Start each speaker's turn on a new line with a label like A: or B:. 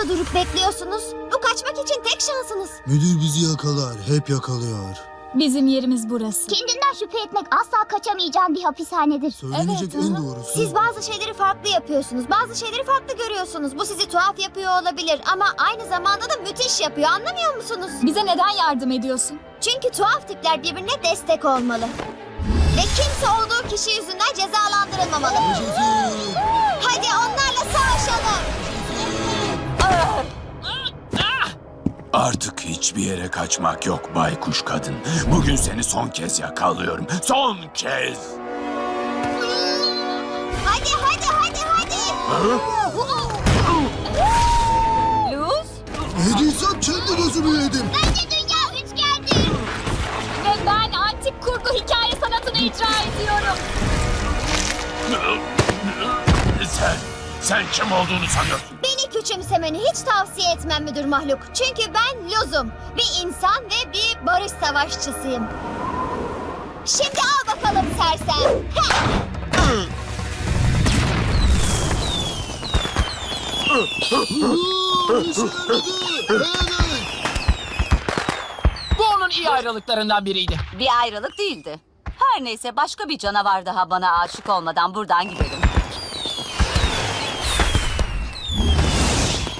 A: burada durup bekliyorsunuz? Bu kaçmak için tek şansınız.
B: Müdür bizi yakalar, hep yakalıyor.
C: Bizim yerimiz burası.
D: Kendinden şüphe etmek asla kaçamayacağın bir hapishanedir.
B: Söylenecek
C: Evet,
B: en
C: aha.
B: doğrusu.
A: Siz bazı şeyleri farklı yapıyorsunuz. Bazı şeyleri farklı görüyorsunuz. Bu sizi tuhaf yapıyor olabilir ama aynı zamanda da müthiş yapıyor. Anlamıyor musunuz?
C: Bize neden yardım ediyorsun?
A: Çünkü tuhaf tipler birbirine destek olmalı. Ve kimse olduğu kişi yüzünden cezalandırılmamalı.
B: Yaşasın!
A: Hadi onlarla savaşalım.
E: Artık hiçbir yere kaçmak yok baykuş kadın. Bugün seni son kez yakalıyorum. Son kez.
A: Hadi.
C: Luz
B: Yediysem kendi gözümü yedim.
D: Bence dünya üçgendir.
C: ve ben antik kurgu hikaye sanatını icra ediyorum.
E: Sen kim olduğunu sanıyorsun?
A: Beni küçümsemeni hiç tavsiye etmem müdür mahluk. Çünkü ben Luz'um. Bir insan ve bir barış savaşçısıyım. Şimdi al bakalım sersem.
F: Bu onun iyi ayrılıklarından biriydi.
G: Bir ayrılık değildi. Her neyse başka bir canavar daha bana aşık olmadan buradan gidelim.